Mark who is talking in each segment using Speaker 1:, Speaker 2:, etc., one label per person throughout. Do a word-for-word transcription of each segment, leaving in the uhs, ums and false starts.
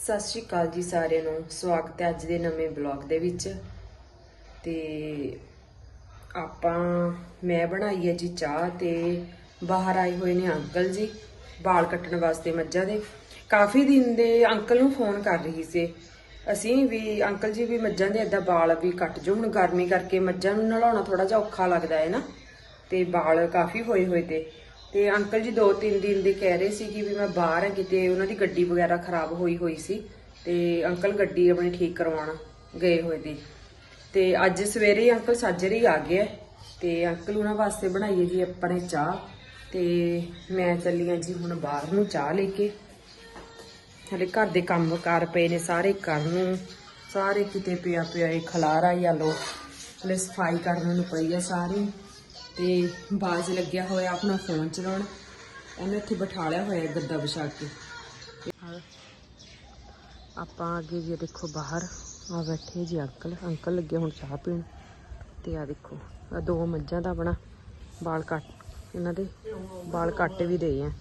Speaker 1: ਸਤਿ ਸ਼੍ਰੀ ਅਕਾਲ ਜੀ ਸਾਰਿਆਂ ਨੂੰ। ਸਵਾਗਤ ਹੈ ਅੱਜ ਦੇ ਨਵੇਂ ਬਲੌਗ ਦੇ ਵਿੱਚ। ਤੇ ਆਪਾਂ ਮੈਂ ਬਣਾਈ ਹੈ ਜੀ ਚਾਹ ਤੇ ਬਾਹਰ ਆਏ ਹੋਏ ਨੇ ਅੰਕਲ ਜੀ ਵਾਲ ਕੱਟਣ ਵਾਸਤੇ ਮੱਝਾਂ ਦੇ। ਕਾਫੀ ਦਿਨ ਦੇ ਅੰਕਲ ਨੂੰ ਫੋਨ ਕਰ ਰਹੀ ਸੀ ਅਸੀਂ ਵੀ, ਅੰਕਲ ਜੀ ਵੀ ਮੱਝਾਂ ਦੇ ਏਦਾਂ ਵਾਲ ਵੀ ਕੱਟ ਜੋ। ਹੁਣ ਗਰਮੀ ਕਰਕੇ ਮੱਝਾਂ ਨੂੰ ਨਲਾਉਣਾ ਥੋੜਾ ਜਿਹਾ ਔਖਾ ਲੱਗਦਾ ਹੈ ਨਾ, ਤੇ ਵਾਲ ਕਾਫੀ ਹੋਏ ਹੋਏ ਤੇ ਤੇ ਅੰਕਲ ਜੀ ਦੋ ਤਿੰਨ ਦਿਨ ਦੇ ਕਹਿ ਰਹੇ ਸੀ ਕਿ ਵੀ ਮੈਂ ਬਾਹਰ ਆ, ਕਿਤੇ ਉਹਨਾਂ ਦੀ ਗੱਡੀ ਵਗੈਰਾ ਖਰਾਬ ਹੋਈ ਹੋਈ ਸੀ ਤੇ ਅੰਕਲ ਗੱਡੀ ਆਪਣੀ ਠੀਕ ਕਰਵਾਉਣ ਗਏ ਹੋਏ ਸੀ। ਤੇ ਅੱਜ ਸਵੇਰੇ ਅੰਕਲ ਸਾਜਰੇ ਹੀ ਆ ਗਏ ਤੇ ਅੰਕਲ ਉਹਨਾਂ ਵਾਸਤੇ ਬਣਾਈ ਹੈ ਜੀ ਆਪਣੇ ਚਾਹ। ਤੇ ਮੈਂ ਚੱਲੀ ਹਾਂ ਜੀ ਹੁਣ ਬਾਹਰ ਨੂੰ ਚਾਹ ਲੈ ਕੇ। ਹਲੇ ਘਰ ਦੇ ਕੰਮ ਕਾਰ ਪਏ ਨੇ ਸਾਰੇ ਕਰਨ ਨੂੰ, ਸਾਰੇ ਕਿਤੇ ਪਿਆ ਪਿਆ ਇਹ ਖਲਾਰਾ ਹੀ ਆ ਲੋ। ਹਲੇ ਸਫਾਈ ਕਰਨ ਨੂੰ ਪਈ ਆ ਸਾਰੀ। ਤੇ ਬਾਜ਼ ਲੱਗਿਆ ਹੋਇਆ ਆਪਣਾ ਫੋਨ ਚਲਾਉਣ, ਉਹਨੇ ਇੱਥੇ ਬਿਠਾ ਲਿਆ ਹੋਇਆ ਗੱਦਾ ਵਿਛਾ ਕੇ। ਆਪਾਂ ਅੱਗੇ ਜੀ ਦੇਖੋ ਬਾਹਰ ਆ ਬੈਠੇ ਜੀ ਅੰਕਲ ਅੰਕਲ ਲੱਗੇ ਹੁਣ ਚਾਹ ਪੀਣ। ਤੇ ਆ ਦੇਖੋ ਆ ਦੋ ਮੱਝਾਂ ਦਾ ਆਪਣਾ ਵਾਲ ਕੱਟ, ਇਹਨਾਂ ਦੇ ਵਾਲ ਕੱਟ ਵੀ ਦੇ ਆ।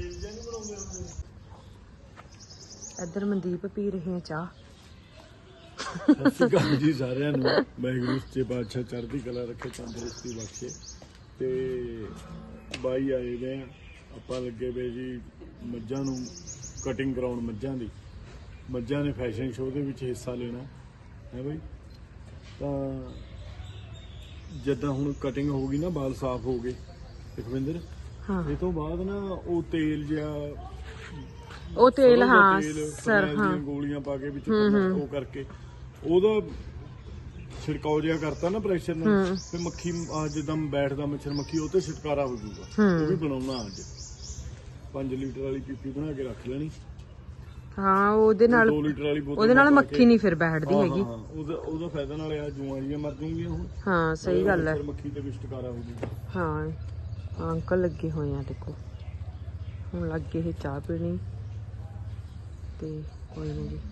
Speaker 1: ਇੱਧਰ ਮਨਦੀਪ ਪੀ ਰਹੇ ਆ ਚਾਹ।
Speaker 2: ਸਤਿ ਸ਼੍ਰੀ ਅਕਾਲ ਜੀ ਸਾਰਿਆਂ ਨੂੰ। ਵਾਹਿਗੁਰੂ ਸੱਚੇ ਪਾਤਸ਼ਾਹ ਚੜ੍ਹਦੀ ਕਲਾ ਰੱਖੇ, ਤੰਦਰੁਸਤੀ ਬਖਸ਼ੇ। ਤੇ ਬਾਈ ਆਏ ਵੇ ਆ, ਆਪਾਂ ਲੱਗੇ ਵੇ ਜੀ ਮੱਝਾਂ ਨੂੰ ਕਟਿੰਗ ਕਰਾਉਣ। ਮੱਝਾਂ ਦੀ ਮੱਝਾਂ ਨੇ ਫੈਸ਼ਨ ਸ਼ੋਅ ਦੇ ਵਿੱਚ ਹਿੱਸਾ ਲੈਣਾ ਹੈ ਬਾਈ। ਤਾਂ ਜਿੱਦਾਂ ਹੁਣ ਕਟਿੰਗ ਹੋ ਗਈ ਨਾ, ਵਾਲ ਸਾਫ਼ ਹੋ ਗਏ ਲਖਵਿੰਦਰ, ਇਹ ਤੋਂ ਬਾਅਦ ਨਾ ਉਹ ਤੇਲ ਜਿਹਾ,
Speaker 1: ਉਹ ਤੇਲ ਹਾਂ
Speaker 2: ਸਰ ਹਾਂ ਗੋਲੀਆਂ ਪਾ ਕੇ ਵਿੱਚ ਉਹ ਕਰਕੇ ਉਹਦਾ ਛਿੜਕਾਓ ਜਿਹਾ ਕਰਤਾ ਨਾ ਪ੍ਰੈਸ਼ਰ ਨਾਲ, ਤੇ ਮੱਖੀ ਜਿੱਦਾਂ ਬੈਠਦਾ ਮੱਛਰ ਮੱਖੀ ਉਹ ਤੇ ਛੁਟਕਾਰਾ ਹੋ ਜਾਊਗਾ। ਉਹ ਵੀ ਬਣਾਉਣਾ ਅੱਜ। ਪੰਜ ਲੀਟਰ ਵਾਲੀ ਪੀਪੀ ਬਣਾ ਕੇ ਰੱਖ ਲੈਣੀ।
Speaker 1: ਹਾਂ ਉਹਦੇ ਨਾਲ
Speaker 2: ਦੋ ਲੀਟਰ ਵਾਲੀ ਬੋਤਲ,
Speaker 1: ਉਹਦੇ ਨਾਲ ਮੱਖੀ ਨਹੀਂ ਫਿਰ ਬੈਠਦੀ ਹੈਗੀ।
Speaker 2: ਹਾਂ ਉਹਦਾ ਉਹਦਾ ਫਾਇਦਾ ਨਾਲ ਆ ਜੂਆਂ ਜੀਆਂ ਮਰ ਜੂਗੀਆਂ ਹੁਣ।
Speaker 1: ਹਾਂ ਸਹੀ ਗੱਲ ਹੈ,
Speaker 2: ਮੱਖੀ ਤੇ ਵੀ ਛੁਟਕਾਰਾ ਹੋ ਜਾਊਗਾ।
Speaker 1: ਹਾਂ ਅੰਕਲ ਲੱਗੇ ਹੋਏ ਆ ਦੇਖੋ, ਹੁਣ ਲੱਗੇ ਇਹ ਚਾਹ ਪੀਣੀ। ਤੇ ਕੋਈ ਨਾ ਜੀ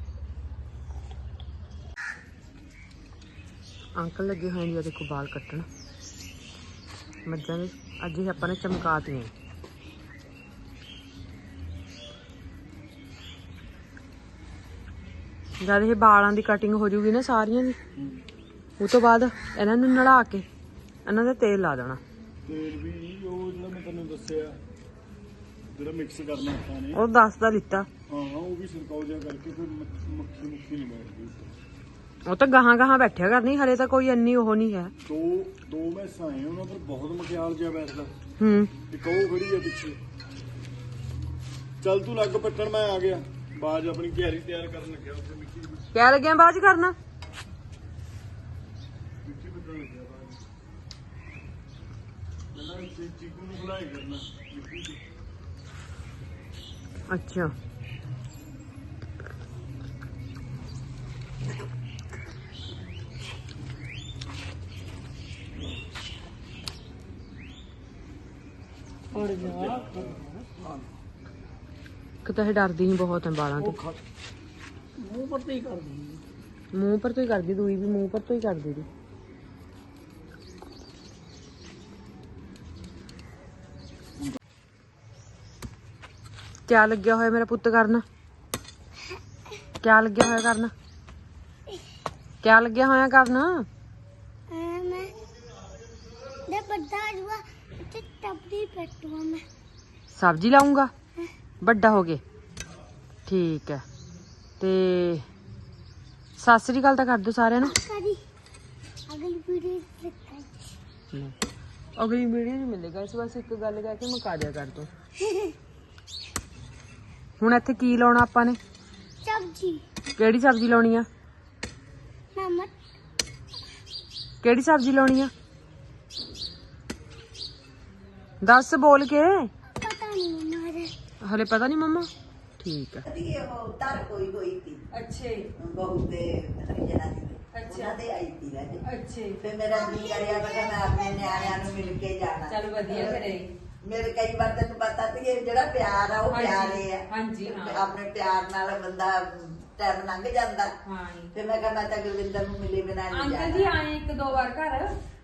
Speaker 1: ਅੰਕਲ ਲੱਗੇ ਹੋਏ ਜੀ ਦੇਖੋ ਵਾਲ ਕੱਟਣ ਮੱਝਾਂ ਦੇ। ਅੱਜ ਇਹ ਆਪਾਂ ਨੇ ਚਮਕਾਤੀਆਂ। ਜਦ ਇਹ ਵਾਲਾਂ ਦੀ ਕਟਿੰਗ ਹੋ ਜੂਗੀ ਨਾ ਸਾਰੀਆਂ ਦੀ, ਉਹ ਤੋਂ ਬਾਅਦ ਇਹਨਾਂ ਨੂੰ ਨਲਾ ਕੇ ਇਹਨਾਂ ਦਾ ਤੇਲ ਲਾ ਦੇਣਾ।
Speaker 2: ਤੇਲ ਵੀ ਉਹ ਜਿਹੜਾ ਮੈਂ ਤੈਨੂੰ ਦੱਸਿਆ ਜਿਹੜਾ ਮਿਕਸ ਕਰਨਾ ਆਪਾਂ ਨੇ,
Speaker 1: ਉਹ ਦਸ ਦਾ ਲਿੱਤਾ।
Speaker 2: ਹਾਂ ਉਹ ਵੀ ਛਿੜਕਾਓ ਜਿਹਾ ਕਰਕੇ ਫਿਰ ਮੱਖੀ ਮੁੱਖੀ ਨਹੀਂ ਬੈਠਦੀ।
Speaker 1: ਉਹ ਤਾਂ ਗਾਹਾਂ ਗਾਹਾਂ ਬੈਠਿਆ ਕਰਨੀ, ਹਲੇ ਤਾਂ ਕੋਈ ਇੰਨੀ ਉਹ ਨਹੀਂ ਹੈ।
Speaker 2: ਦੋ ਦੋ ਮੈਸਾਂ ਆਏ ਉਹਨਾਂ ਪਰ ਬਹੁਤ ਮਖਿਆਲ ਜਿਹਾ ਬੈਠਦਾ।
Speaker 1: ਹੂੰ
Speaker 2: ਇੱਕ ਉਹ ਖੜੀ ਆ ਪਿੱਛੇ। ਚੱਲ ਤੂੰ ਲੱਗ ਪੱਟਣ, ਮੈਂ ਆ ਗਿਆ। ਬਾਜ ਆਪਣੀ ਘਿਆਰੀ ਤਿਆਰ ਕਰਨ ਲੱਗਿਆ ਉੱਥੇ ਮਿੱਟੀ ਦੀ।
Speaker 1: ਕਿਆ ਲੱਗਿਆ ਬਾਜ ਕਰਨਾ?
Speaker 2: ਮਿੱਟੀ ਪੱਟਣ ਲੱਗਿਆ ਬਾਜ। ਪਹਿਲਾਂ ਚੀਕੂ ਨੂੰ ਬੁਲਾਏ ਕਰਨਾ ਮਿੱਟੀ ਦੀ।
Speaker 1: ਅੱਛਾ ਕਿਤਾ ਇਹ ਡਰਦੀ ਨਹੀਂ ਬਹੁਤ ਹੈ ਵਾਲਾਂ ਤੇ।
Speaker 2: ਮੂੰਹ ਪਰ ਤੇ ਹੀ ਕਰਦੀ,
Speaker 1: ਮੂੰਹ ਪਰ ਤੋਂ ਹੀ ਕਰਦੀ, ਦੂਈ ਵੀ ਮੂੰਹ ਪਰ ਤੋਂ ਹੀ ਕਰਦੀ ਦੀ। ਕਿਆ ਲੱਗਿਆ ਹੋਇਆ ਮੇਰਾ ਪੁੱਤ ਕਰਨ? ਕਿਆ ਲੱਗਿਆ ਹੋਇਆ ਕਰਨ? ਕਿਆ ਲੱਗਿਆ ਹੋਇਆ ਕਰਨ? ਸਬਜ਼ੀ ਲਾਉਂਗਾ ਵੱਡਾ ਹੋ ਗਏ। ਠੀਕ ਹੈ। ਤੇ ਸਤਿ ਸ੍ਰੀ ਅਕਾਲ ਤਾਂ ਕਰ ਦੋ ਸਾਰਿਆਂ ਨੂੰ। ਅਗਲੀ ਵੀਡੀਓ ਨਹੀਂ ਮਿਲੇਗਾ, ਇਸ ਬਸ ਇੱਕ ਗੱਲ ਕਹਿ ਕੇ ਮੁਕਾ ਦਿਆ ਕਰ ਦੋ। ਹੁਣ ਇੱਥੇ ਕੀ ਲਾਉਣਾ ਆਪਾਂ ਨੇ?
Speaker 3: ਸਬਜ਼ੀ।
Speaker 1: ਕਿਹੜੀ ਸਬਜ਼ੀ ਲਾਉਣੀ ਆ?
Speaker 3: ਨਮਕ।
Speaker 1: ਕਿਹੜੀ ਸਬਜ਼ੀ ਲਾਉਣੀ ਆ? ਦੱਸ ਬੋਲ ਕੇ।
Speaker 3: ਪਤਾ ਨਹੀਂ ਮੰਮਾ,
Speaker 1: ਹਲੇ ਪਤਾ ਨਹੀਂ ਮੰਮਾ। ਠੀਕ ਹੈ।
Speaker 4: तार कोई कोई थी
Speaker 1: अच्छे
Speaker 4: बहुत हरियाणा दी
Speaker 1: अच्छा
Speaker 4: दे आई थी राजे
Speaker 1: अच्छे
Speaker 4: फिर मेरा जी करिया मैं मैं अपने न्याणियां नु मिल के जाना।
Speaker 1: चल वधिया करे।
Speaker 4: मेरे कई बार तेन पता ती ये जेड़ा प्यार है वो प्यार है।
Speaker 1: हां जी हां
Speaker 4: अपने प्यार नाल बंदा टाइम लंघ जांदा।
Speaker 1: हां
Speaker 4: फिर मैं कहा मैं तो गुरविंदर नु मिले बिना नहीं
Speaker 1: अंकल
Speaker 4: जाना।
Speaker 1: जी आए एक दो बार घर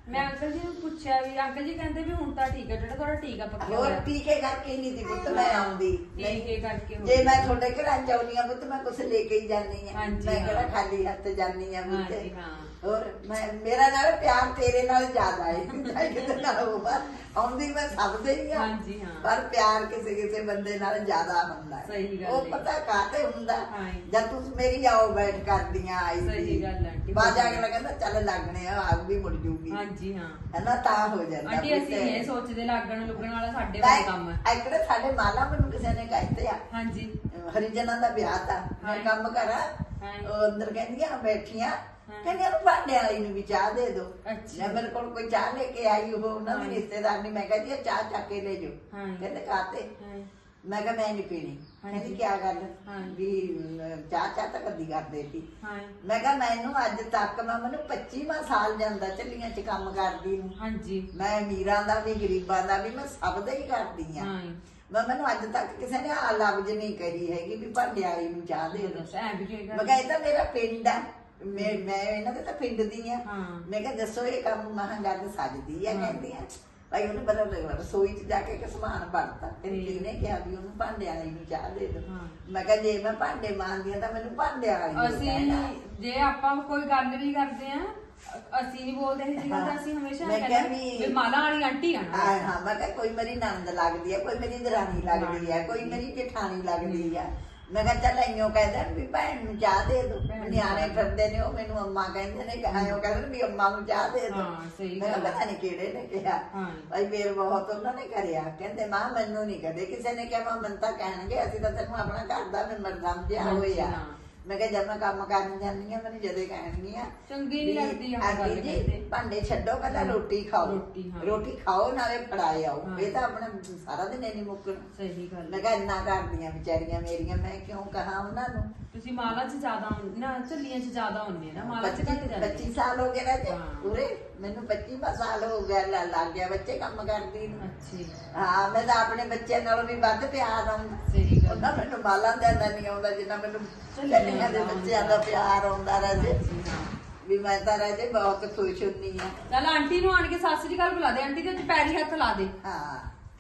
Speaker 1: ਮੈਂ ਅੰਕਲ ਜੀ ਨੂੰ ਪੁੱਛਿਆ ਵੀ ਅੰਕਲ ਜੀ ਕਹਿੰਦੇ ਵੀ ਹੁਣ ਤਾਂ ਠੀਕ ਹੈ ਜਿਹੜਾ ਤੁਹਾਡਾ ਟੀਕਾ ਪੱਕਿਆ
Speaker 4: ਹੋਰ
Speaker 1: ਹੋਇਆ
Speaker 4: ਟੀਕੇ ਕਰਕੇ ਨਹੀਂ ਦੀ ਪੁੱਤ ਮੈਂ ਆਉਂਦੀ
Speaker 1: ਟੀਕੇ ਕਰਕੇ ਹੋ
Speaker 4: ਜੇ ਮੈਂ ਤੁਹਾਡੇ ਘਰਾਂ ਚ ਆਉਣੀ ਆ ਪੁੱਤ ਮੈਂ ਕੁਛ ਲੈ ਕੇ ਹੀ ਜਾਨੀ ਆ
Speaker 1: ਹਾਂਜੀ,
Speaker 4: ਮੈਂ
Speaker 1: ਹਾਂ।
Speaker 4: ਕਿਹੜਾ ਖਾਲੀ ਹੱਥ ਜਾਨੀ ਆ ਪੁੱਤ
Speaker 1: ਹਾਂਜੀ, ਹਾਂ।
Speaker 4: ਹੋਰ ਮੈਂ ਮੇਰਾ ਨਾਲ ਪਿਆਰ ਤੇਰੇ ਨਾਲ ਜ਼ਿਆਦਾ ਹੈ ਚਾਹੇ ਕਿਤੇ ਨਾਲ ਹੋਵਾ ਆਉਂਦੀ ਮੈਂ ਸਭ ਦੇ ਹੀ ਆ
Speaker 1: ਹਾਂਜੀ, ਹਾਂ।
Speaker 4: ਪਰ ਪਿਆਰ ਕਿਸੇ ਕਿਸੇ ਬੰਦੇ ਨਾਲ ਜ਼ਿਆਦਾ ਹੁੰਦਾ ਹੈ
Speaker 1: ਸਹੀ ਗੱਲ
Speaker 4: ਉਹ
Speaker 1: ਹੈ।
Speaker 4: ਪਤਾ ਕਾਹਤੇ ਹੁੰਦਾ
Speaker 1: ਹਾਂ।
Speaker 4: ਜਦ ਤੂੰ ਮੇਰੀ ਆਓ ਬੈਠ ਕਰਦੀਆਂ ਆਈ
Speaker 1: ਸਹੀ ਗੱਲ ਹੈ ਆਂਟੀ।
Speaker 4: ਬਾਜ ਆ ਕੇ ਲੱਗਦਾ ਚੱਲ ਲੱਗਣੇ ਆ ਆਪ ਵੀ ਮੁੜ ਜੂਗੀ
Speaker 1: ਹਾਂਜੀ ਹਾਂ
Speaker 4: ਹਨਾ ਤਾਂ ਹੋ ਜਾਂਦਾ
Speaker 1: ਆਂਟੀ ਅਸੀਂ
Speaker 4: ਪੁੱਤ।
Speaker 1: ਇਹ ਸੋਚਦੇ ਲੱਗਣ ਲੁੱਗਣ ਵਾਲਾ ਸਾਡੇ ਵਾਲਾ ਕੰਮ ਹੈ
Speaker 4: ਐਕੜੇ ਸਾਡੇ ਮਾਲਾ ਮੈਨੂੰ ਕਿਸੇ ਨੇ ਕਹਿੰਦੇ ਆ
Speaker 1: ਹਾਂਜੀ
Speaker 4: ਹਰੀਜਨਾਂ ਦਾ ਵਿਆਹ ਤਾਂ ਮੈਂ
Speaker 1: ਹਾਂ।
Speaker 4: ਕੰਮ ਕਰਾਂ
Speaker 1: ਹਾਂ।
Speaker 4: ਉਹ ਅੰਦਰ ਕਹਿੰਦੀਆਂ ਬੈਠੀਆਂ ਕਹਿੰਦੀਆਂ ਨੂੰ ਭਾਂਡੇ ਵਾਲੀ ਨੂੰ ਵੀ ਚਾਹ ਦੇ ਦੋ
Speaker 1: ਅੱਛਾ।
Speaker 4: ਮੈਂ ਮੇਰੇ ਕੋਲ ਕੋਈ ਚਾਹ ਲੈ ਕੇ ਆਈ ਉਹ ਉਹਨਾਂ ਦੀ
Speaker 1: ਹਾਂ।
Speaker 4: ਰਿਸ਼ਤੇਦਾਰ ਨੇ ਮੈਂ ਕਹਿੰਦੀ ਆ ਚਾਹ ਚੱਕ ਕੇ ਲੈ ਜਾਓ
Speaker 1: ਹਾਂ।
Speaker 4: ਕਹਿੰਦੇ ਕਾਤੇ
Speaker 1: ਹਾਂ।
Speaker 4: ਮੈਂ ਕਿਹਾ ਮੈਂ ਨਹੀਂ ਪੀਣੀ
Speaker 1: ਹਾਂਜੀ।
Speaker 4: ਕਹਿੰਦੀ ਕੀ ਗੱਲ
Speaker 1: ਹਾਂ।
Speaker 4: ਵੀ ਅਮ, ਚਾਹ ਚਾਹ ਤਾਂ ਕਦੀ ਕਰਦੇ ਸੀ
Speaker 1: ਹਾਂ
Speaker 4: ਮੈਂ ਕਿਹਾ ਮੈਨੂੰ ਅੱਜ ਤੱਕ ਮੈਂ ਮੈਨੂੰ ਪੱਚੀਵਾਂ ਸਾਲ ਜਾਂਦਾ ਚੱਲੀਆਂ ਚ ਕੰਮ ਕਰਦੀ ਨੂੰ
Speaker 1: ਹਾਂਜੀ
Speaker 4: ਮੈਂ ਅਮੀਰਾਂ ਦਾ ਵੀ ਗਰੀਬਾਂ ਦਾ ਵੀ ਮੈਂ ਸਭ ਦਾ ਹੀ ਕਰਦੀ ਆ
Speaker 1: ਹਾਂ
Speaker 4: ਮੈਂ ਮੈਨੂੰ ਅੱਜ ਤੱਕ ਕਿਸੇ ਨੇ ਆ ਲਫ਼ਜ਼ ਨਹੀਂ ਕਹੀ ਹੈਗੀ ਵੀ ਭਾਂਡਿਆਲੀ ਨੂੰ ਚਾਹ ਦੇ ਦੋ
Speaker 1: ਦੱਸ ਐ ਵੀ ਕੀ
Speaker 4: ਮੈਂ
Speaker 1: ਗੱਲ
Speaker 4: ਕਿਹਾ ਇਹ ਤਾਂ ਮੇਰਾ ਪਿੰਡ ਆ ਮੈਂ ਮੈਂ ਇਹਨਾਂ ਦੇ ਤਾਂ ਪਿੰਡ ਦੀ ਆ
Speaker 1: ਹਾਂ।
Speaker 4: ਮੈਂ ਕਿਹਾ ਦੱਸੋ ਇਹ ਕੰਮ ਮਹਾਂ ਗੱਲ ਸੱਜਦੀ ਆ
Speaker 1: ਹਾਂ।
Speaker 4: ਕਹਿੰਦੀਆਂ ਭਾਈ ਉਹਨੇ ਬਦਲ ਲਿਆ ਰਸੋਈ ਚ ਜਾ ਕੇ ਕਿ ਸਮਾਨ ਵੜਤਾ ਤੇ
Speaker 1: ਹੂੰ।
Speaker 4: ਕਿਹਨੇ ਕਿਹਾ ਵੀ ਉਹਨੂੰ ਭਾਂਡਿਆਂ ਵਾਲੀ ਨੂੰ ਚਾਹ ਦੇ ਦੋ
Speaker 1: ਹਾਂ।
Speaker 4: ਮੈਂ ਕਿਹਾ ਜੇ ਮੈਂ ਭਾਂਡੇ ਮਾਂਜਦੀ ਆ ਤਾਂ ਮੈਨੂੰ ਭਾਂਡਿਆਂ ਵਾਲੀ ਨੂੰ
Speaker 1: ਅਸੀਂ
Speaker 4: ਕਹਿਣਾ।
Speaker 1: ਜੇ ਆਪਾਂ ਕੋਈ ਗੱਲ ਵੀ ਕਰਦੇ ਆ ਅਸੀਂ ਨਹੀਂ ਬੋਲਦੇ ਇਹ ਗੱਲ ਤਾਂ ਅਸੀਂ ਹਮੇਸ਼ਾ
Speaker 4: ਮੈਂ
Speaker 1: ਕਹਿੰਦੇ
Speaker 4: ਕਿਹਾ ਵੀ-
Speaker 1: ਵੀ ਮਾਲਾ ਵਾਲੀ ਆਂਟੀ ਆ ਨਾ
Speaker 4: ਹਾਂ ਹਾਂ ਮੈਂ ਕਿਹਾ ਕੋਈ ਮੇਰੀ ਨੰਦ ਲੱਗਦੀ ਆ ਕੋਈ ਮੇਰੀ ਦਰਾਣੀ ਲੱਗਦੀ ਆ ਕੋਈ ਮੇਰੀ ਜਠਾਣੀ ਲੱਗਦੀ ਆ ਮੈਂ ਕਿਹਾ ਚੱਲ ਇੰਨੋਂ ਕਹਿੰਦੇ ਨੇ ਵੀ ਭੈਣ ਨੂੰ ਚਾਹ ਦੇ ਦੋ
Speaker 1: ਭੈਣ ਨੂੰ
Speaker 4: ਨਿਆਣੇ
Speaker 1: ਚਾਹ ਦੇ।
Speaker 4: ਫਿਰਦੇ ਨੇ ਉਹ ਮੈਨੂੰ ਅੰਮਾ ਕਹਿੰਦੇ ਨੇ ਕਹਾਂ ਉਹ ਕਹਿੰਦੇ ਨੇ ਵੀ ਅੰਮਾ ਨੂੰ ਚਾਹ ਦੇ ਦੋ
Speaker 1: ਹਾਂ, ਸਹੀ
Speaker 4: ਮੈਂ ਕਿਹਾ
Speaker 1: ਗੱਲ ਆ।
Speaker 4: ਪਤਾ ਨਹੀਂ ਕਿਹੜੇ ਨੇ ਕਿਹਾ
Speaker 1: ਹਾਂ।
Speaker 4: ਭਾਈ ਮੇਰ ਬਹੁਤ ਉਹਨਾਂ ਨੇ ਕਰਿਆ ਕਹਿੰਦੇ ਮਾਂ ਮੈਨੂੰ ਨਹੀਂ ਕਦੇ ਕਿਸੇ ਨੇ ਕਿਹਾ ਮਾਂ ਮੈਨੂੰ ਤਾਂ ਕਹਿਣਗੇ ਅਸੀਂ ਤਾਂ ਤੈਨੂੰ ਆਪਣਾ ਘਰ ਦਾ ਮੈਂਬਰ ਸਮਝਿਆ
Speaker 1: ਹਾਂਜੀ,
Speaker 4: ਹੋਇਆ
Speaker 1: ਹਾਂ।
Speaker 4: ਮੈਂ ਕਿਹਾ ਜਦ ਮੈਂ ਕੰਮ ਕਰਨ ਜਾਂਦੀ ਆ ਮੈਨੂੰ ਜਦੇ ਕਹਿਣਗੀਆਂ
Speaker 1: ਚੰਗੀ ਨਹੀਂ
Speaker 4: ਵੀ
Speaker 1: ਲੱਗਦੀ ਆਹ
Speaker 4: ਆਂਟੀ
Speaker 1: ਗੱਲ
Speaker 4: ਜੀ,
Speaker 1: ਕਰਦੇ।
Speaker 4: ਭਾਂਡੇ ਛੱਡੋ ਪਹਿਲਾਂ ਰੋਟੀ ਖਾਓ
Speaker 1: ਰੋਟੀ, ਹਾਂ।
Speaker 4: ਰੋਟੀ ਖਾਓ ਨਾਲੇ ਫੜਾਏ ਆਓ
Speaker 1: ਹਾਂ।
Speaker 4: ਇਹ ਤਾਂ ਆਪਣਾ ਸਾਰਾ ਦਿਨ ਨਹੀਂ ਮੁੱਕਣ
Speaker 1: ਸਹੀ ਗੱਲ
Speaker 4: ਮੈਂ ਕਿਹਾ ਇੰਨਾ ਕਰਦੀਆਂ ਵਿਚਾਰੀਆਂ ਮੇਰੀਆਂ ਮੈਂ ਕਿਉਂ ਕਹਾ ਉਹਨਾਂ ਨੂੰ
Speaker 1: ਤੁਸੀਂ ਮਾਲਾ 'ਚ ਜ਼ਿਆਦਾ ਹੁੰਦੇ ਨਾ ਝੱਲੀਆਂ 'ਚ ਜ਼ਿਆਦਾ ਹੁੰਦੇ ਨਾ ਮਾਲਾ 'ਚ ਘੱਟ ਜਾਂਦੇ
Speaker 4: ਪੱਚੀ ਸਾਲ ਹੋ ਗਏ ਰਾਜੇ
Speaker 1: ਹਾਂ।
Speaker 4: ਪੂਰੇ ਮੈਨੂੰ ਪੱਚੀਵਾਂ ਸਾਲ ਹੋ ਗਿਆ ਲ- ਲੱਗ ਗਿਆ ਬੱਚੇ ਕੰਮ ਕਰਦੀ ਨੂੰ
Speaker 1: ਅੱਛੀ
Speaker 4: ਹਾਂ ਮੈਂ ਤਾਂ ਆਪਣੇ ਬੱਚਿਆਂ ਨਾਲੋਂ ਵੀ ਵੱਧ ਪਿਆਰ ਆਉਂਦਾ
Speaker 1: ਸਹੀ ਗੱਲ
Speaker 4: ਉਹਨਾਂ ਮੈਨੂੰ ਮਾਲਾਂ ਦਾ ਇੰਨਾ ਨਹੀਂ ਆਉਂਦਾ ਜਿੰਨਾ ਮੈਨੂੰ
Speaker 1: ਚੱਲੀਆਂ
Speaker 4: ਚੱਲੀਆਂ ਦੇ
Speaker 1: ਦਾ
Speaker 4: ਬੱਚਿਆਂ ਦਾ ਪਿਆਰ ਆਉਂਦਾ ਰਾਜੇ
Speaker 1: ਹਾਂ।
Speaker 4: ਵੀ ਮੈਂ ਤਾਂ ਰਾਜੇ ਬਹੁਤ ਖੁਸ਼ ਹੁੰਨੀ ਆ
Speaker 1: ਚੱਲ ਆਂਟੀ ਨੂੰ ਆਣ ਕੇ ਸਤਿ ਸ੍ਰੀ ਅਕਾਲ ਬੁਲਾ ਦੇ ਆਂਟੀ ਦੇ ਉੱਤੇ ਪੈਰੀ ਹੱਥ ਲਾ ਦੇ
Speaker 4: ਹਾਂ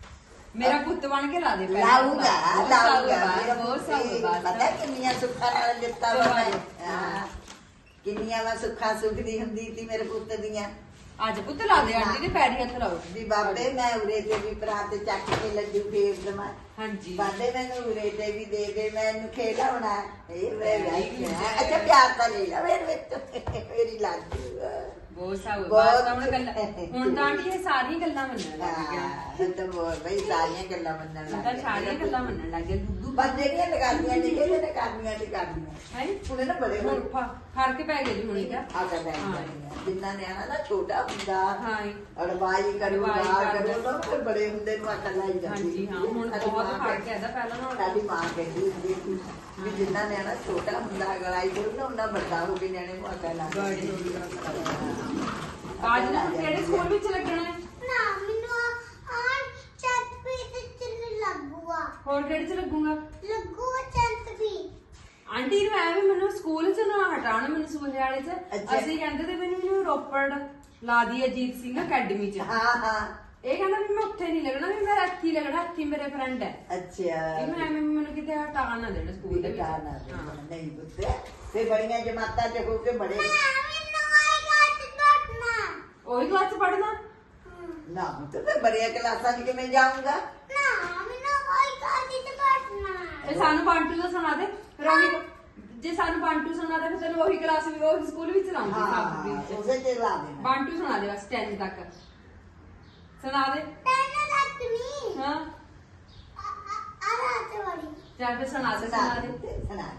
Speaker 1: ਮੇਰਾ ਪੁੱਤ ਬਣ ਕੇ ਲਾ ਦੇ ਪੈਰੀ ਹੱਥ
Speaker 4: ਲਾਊਗਾ
Speaker 1: ਲਾ ਦੇ।
Speaker 4: ਲਾਊਗਾ
Speaker 1: ਬਹੁਤ
Speaker 4: ਮੇਰਾ
Speaker 1: ਬਹੁਤ
Speaker 4: ਪੁੱਤ
Speaker 1: ਸਾਊਗਾ
Speaker 4: ਪਤਾ ਕਿੰਨੀਆਂ ਸੁੱਖਾਂ ਨਾਲ ਦਿੱਤਾ ਵਾ ਮੈਂ
Speaker 1: ਹਾਂ।
Speaker 4: ਹਾਂ। ਕਿੰਨੀਆਂ ਮੈਂ ਸੁੱਖਾਂ ਸੁਖਦੀ ਹੁੰਦੀ ਸੀ ਮੇਰੇ ਪੁੱਤ ਦੀਆਂ
Speaker 1: ਅੱਜ ਪੁੱਤ ਲਾ ਦੇ ਆਂਟੀ ਦੇ ਪੈਰੀ ਹੱਥ ਲਾਓ
Speaker 4: ਵੀ ਬਾਬੇ ਮੈਂ ਉਰੇ ਤੇ ਵੀ ਪ੍ਰਾਤ ਚੱਕ ਕੇ ਲੱਡੂ ਫੇਰ ਦਵਾਂ
Speaker 1: ਹਾਂਜੀ
Speaker 4: ਬਾਬੇ ਮੈਨੂੰ ਉਰੇ ਤੇ ਵੀ ਦੇ ਦੇ ਮੈਨੂੰ ਖੇਡਾਉਣਾ ਇਹ ਮੈਂ
Speaker 1: Very good.
Speaker 4: ਅੱਛਾ ਪਿਆਰ ਤਾਂ ਲੈ ਲਾ ਮੇਰੇ ਵਿੱਚ ਮੇਰੀ ਲਾਡੂ
Speaker 1: ਬਹੁਤ ਸਾਊਗਾ
Speaker 4: ਬਹੁਤ-
Speaker 1: ਬਸ ਹੁਣ ਗੱਲਾਂ ਹੁਣ ਤਾਂ ਆਂਟੀ ਇਹ ਸਾਰੀਆਂ ਗੱਲਾਂ ਮੰਨਣ ਲੱਗ ਗਿਆ
Speaker 4: ਹਾਂ ਇਹ ਤਾਂ ਬਹੁਤ ਬਈ ਸਾਰੀਆਂ ਗੱਲਾਂ ਮੰਨਣ
Speaker 1: ਹੁਣ
Speaker 4: ਲੱਗ
Speaker 1: ਤਾਂ
Speaker 4: ਗਏ।
Speaker 1: ਸਾਰੀਆਂ ਗੱਲਾਂ ਮੰਨਣ ਲੱਗ ਗਿਆ ਦੁੱਧੂ
Speaker 4: ਬਸ ਜਿਹੜੀਆਂ ਲਗਾਦੀਆਂ ਨੇ ਕਿਹਦੇ ਨੇ ਕਰਨੀਆਂ ਤੇ ਕਰਨੀਆਂ
Speaker 1: ਹੈ
Speaker 4: ਉਹਨੇ ਨਾ ਬੜੇ
Speaker 1: ਹੁਣ ਫ- ਫਰਕ ਪੈ ਗਿਆ ਜੀ ਹੁਣ ਇਹਦਾ
Speaker 4: ਆ ਕਰ ਜਿੰਨਾ ਨਿਆਣਾ ਨਾ ਛੋਟਾ ਹੁੰਦਾ
Speaker 1: ਹਾਂ
Speaker 4: ਅੜਵਾਈ ਕਰੂ
Speaker 1: ਅੜਵਾਈ
Speaker 4: ਬਾਹਰ
Speaker 1: ਕਰਦਾ।
Speaker 4: ਕਰੂ ਤਾਂ ਫਿਰ ਬੜੇ ਹੁੰਦੇ ਨੂੰ ਅਕਲ ਆਈ ਜਾਂਦੀ
Speaker 1: ਹਾਂਜੀ ਹਾਂ ਹੁਣ
Speaker 4: ਸਾਡੀ
Speaker 1: ਬਹੁਤ
Speaker 4: ਮਾਂ
Speaker 1: ਫਰਕ ਹੈ ਇਹਦਾ ਪਹਿਲਾਂ ਨਾਲੋਂ
Speaker 4: ਸਾਡੀ ਮਾਂ ਕਹਿੰਦੀ ਹੁੰਦੀ ਸੀ ਵੀ ਜਿੰਨਾ ਨਿਆਣਾ ਛੋਟਾ ਹੁੰਦਾ ਅਗਲਾਈ ਕਰੂ ਨਾ ਉਹਨਾਂ ਵੱਡਾ ਹੋ ਕੇ ਨਿਆਣੇ ਨੂੰ ਅਕਲ ਆ
Speaker 1: ਬੜੀ ਹੋ ਗਈ ਅੱਜ ਨੂੰ ਕਿਹੜੇ ਸਕੂਲ ਵਿੱਚ ਲੱਗਣਾ ਹੈ
Speaker 3: ਨਾ ਮੈਨੂੰ ਆ ਚੰਤ ਵੀ ਤੇ ਚੱਲ ਲੱਗੂਗਾ
Speaker 1: ਹੋਰ ਕਿਹੜੇ ਚ ਲੱਗੂਗਾ
Speaker 3: ਲੱਗੂਗਾ ਚੰਤ ਵੀ
Speaker 1: ਆਂਟੀ ਨੂੰ ਐਵੇਂ ਮੈਨੂੰ ਸਕੂਲ ਚ ਨਾ ਹਟਾਉਣ ਮੈਨੂੰ ਸੁਲਝਾਲੇ ਚ
Speaker 4: ਅੱਛਾ।
Speaker 1: ਅਸੀਂ ਕਹਿੰਦੇ ਤੇ ਮੈਨੂੰ ਇਹਨੂੰ ਰੋਪੜ ਲਾ ਦੀ ਅਜੀਤ ਸਿੰਘ ਅਕੈਡਮੀ ਚ
Speaker 4: ਹਾਂ ਹਾਂ
Speaker 1: ਇਹ ਕਹਿੰਦਾ ਵੀ ਮੈਂ ਉੱਥੇ ਨਹੀਂ ਲੱਗਣਾ ਵੀ ਮੇਰਾ ਇੱਥੇ ਹੀ ਲੱਗਣਾ ਇੱਥੇ ਹੀ ਮੇਰੇ ਫਰੈਂਡ ਹੈ
Speaker 4: ਅੱਛਾ
Speaker 1: ਇਹਨੂੰ ਐਵੇਂ ਵੀ ਮੈਨੂੰ ਕਿਤੇ ਹਟਾ ਨਾ ਦੇਣਾ ਸਕੂਲ ਦੇ ਵਿੱਚ
Speaker 4: ਬੇਟਾ ਨਾ
Speaker 1: ਹਾਂ।
Speaker 4: ਨਹੀਂ ਪੁੱਤ ਤੇ ਬੜੀਆਂ ਜਮਾਤਾਂ ਚ ਹੋ ਕੇ ਬੜੇ
Speaker 3: ਮੈਨੂੰ ਆਏਗਾ ਤੇ ਡਟਣਾ
Speaker 1: ਉਹੀ ਕਲਾਸ ਚ ਪੜਨਾ
Speaker 4: ਨਾ ਪੁੱਤ ਮੈਂ ਬੜੀਆਂ ਕਲਾਸਾਂ ਚ ਕਿਵੇਂ ਜਾਊਂਗਾ
Speaker 3: ਨਾ ਮੈਨੂੰ ਆਏਗਾ ਤੇ ਡਟਣਾ
Speaker 1: ਇਹ ਸਾਨੂੰ ਬਾਂਟੂ ਦਾ ਸੁਣਾ ਦੇ ਫਿਰ ਉਹੀ ਜੇ ਸਾਨੂੰ ਬਾਂਟੂ ਸੁਣਾ ਦੇ ਫਿਰ ਤੈਨੂੰ ਉਹੀ ਕਲਾਸ ਵੀ ਉਹੀ ਸਕੂਲ ਵਿੱਚ ਲਾਉਂਗੀ
Speaker 4: ਹਾਂ
Speaker 1: ਸਾਬ ਵਿੱਚ
Speaker 4: ਉਸੇ ਤੇ ਲਾ ਦੇਣਾ
Speaker 1: ਬਾਂਟੂ ਸੁਣਾ ਦੇ ਬਸ ਦਸ ਤੱਕ ਸੁਣਾ ਦੇ
Speaker 3: ਤੈਨੂੰ ਲੱਗਣੀ
Speaker 1: ਹਾਂ
Speaker 3: ਆ ਰਾਤ ਵਾਲੀ
Speaker 1: ਚੱਲ ਫਿਰ ਸੁਣਾ ਦੇ
Speaker 4: ਸੁਣਾ
Speaker 1: ਸੁਣਾ
Speaker 4: ਦੇ
Speaker 1: ਦੇ
Speaker 4: ਸੁਣਾ ਦੇ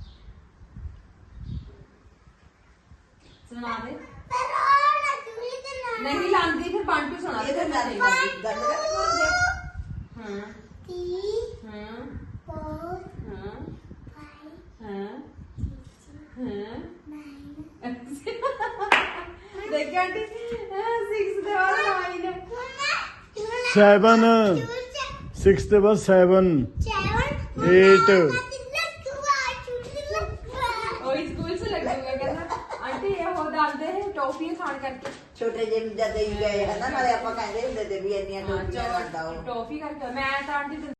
Speaker 1: ਸੁਣਾ ਦੇ
Speaker 3: ਪਰ ਉਹ ਨਾ ਚੁਲੀ ਤੇ ਨਾ
Speaker 1: ਨਹੀਂ ਲਾਂਦੀ ਫਿਰ ਬਾਂਟੂ ਸੁਣਾ ਦੇ
Speaker 4: ਇਹ ਤਾਂ
Speaker 1: ਫਿਰ
Speaker 4: ਗੱਲ
Speaker 1: ਮੈਂ ਨਹੀਂ
Speaker 4: ਗੱਲ ਕਰ ਕੋਲ
Speaker 1: ਹਾਂ
Speaker 3: ਤੀ
Speaker 1: ਹਾਂ
Speaker 3: ਫੋਰ
Speaker 1: ਹਾਂ
Speaker 3: ਫਾਈਵ
Speaker 1: ਹਾਂ ਹਾਂ
Speaker 3: ਨਾਈਨ
Speaker 1: ਦੇਖ ਆਂਟੀ ਛੇ ਦੇ ਬਾਅਦ ਨਾइन
Speaker 2: Seven. Six ਦੇ ਬਾਅਦ seven. Eight.
Speaker 1: ਉਹੀ ਸਕੂਲ ਚ ਲੱਗੂਗਾ ਕਹਿੰਦਾ ਆਂਟੀ ਇਹ ਹੋ ਦੱਸਦੇ ਇਹ ਟੌਫੀਆਂ ਖਾਣ ਕਰਕੇ
Speaker 4: ਛੋਟੇ ਜਿਹੇ ਜਦ ਹੀ ਗਏ ਹਨਾ ਨਾਲੇ ਆਪਾਂ ਕਹਿੰਦੇ ਹੁੰਦੇ ਤੇ ਵੀ ਇੰਨੀਆਂ ਟੋਪੀਆਂ ਕਰਦਾ ਉਹ
Speaker 1: ਟੌਫੀ ਕਰਕੇ ਮੈਂ ਤਾਂ ਆਂਟੀ